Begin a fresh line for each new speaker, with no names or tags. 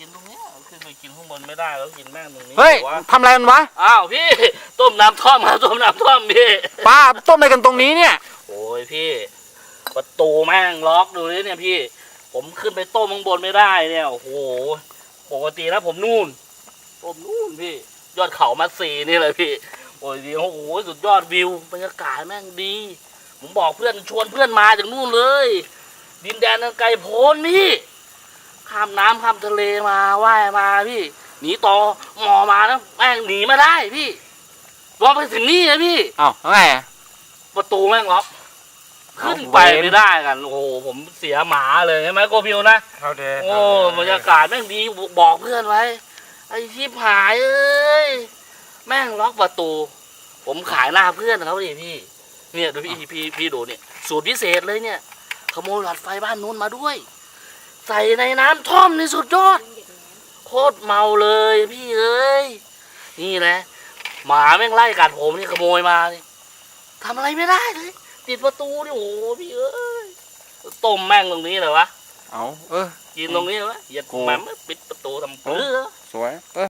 กินตรงนี้ขึ้นไปกินข้างบนไม่ได้แล้วกินแม่งตรงนี้
เฮ้ยทำอะไรมันวะ
อ้าวพี่ต้มน้ำท่อมครับต้มน้ำท่อมพี่
ป้าต้มอะไรกันตรงนี้เนี่ย
โอ้ยพี่ประตูแม่งล็อกดูดิเนี่ยพี่ผมขึ้นไปต้มข้างบนไม่ได้เนี่ยโอ้โหปกติแล้วผมนู่นพี่ยอดเขามัดซีนี่เลยพี่โอ้ยดีโอ้โหสุดยอดวิวบรรยากาศแม่งดีผมบอกเพื่อนชวนเพื่อนมาจากนู่นเลยดินแดนอันไกลโพ้นพี่ข้ามน้ำข้ามทะเลมาว่ายมาพี่หนีต่อหมอมาแล้วแม่งหนีมาได้พี่รอไปถึงนี่นะพี่
อ้าวแล้วไงอะ
ประตูแม่งล็อกขึ้นไปไม่ได้กันโอ้โหผมเสียหมาเลยใช่ไหมโกพิวนะ
เขาเด
โอ้บรรยากาศแม่งดีบอกเพื่อนไว้ไอ้ชิบหายเอ้ยแม่งล็อกประตู ผมขายหน้าเพื่อนเขาดิพี่เนี่ยดูพี่ดูเนี่ยสูตรพิเศษเลยเนี่ยขโมยหลอดไฟบ้านนู้นมาด้วย ใส่ในน้ำท่อมนี่สุดยอดโคตรเมาเลยพี่เอ้ยนี่แหละหมาแม่งไล่กัดผมนี่ขโมยมานี่ทำอะไรไม่ได้เลยติดประตูนี่โอ้โหพี่เอ้ยต้มแม่งตรงนี้เลยวะ
เอากิน
ตรงนี้เลยวะเหยียดแม่งปิดประตูทำเพื่อ
สวย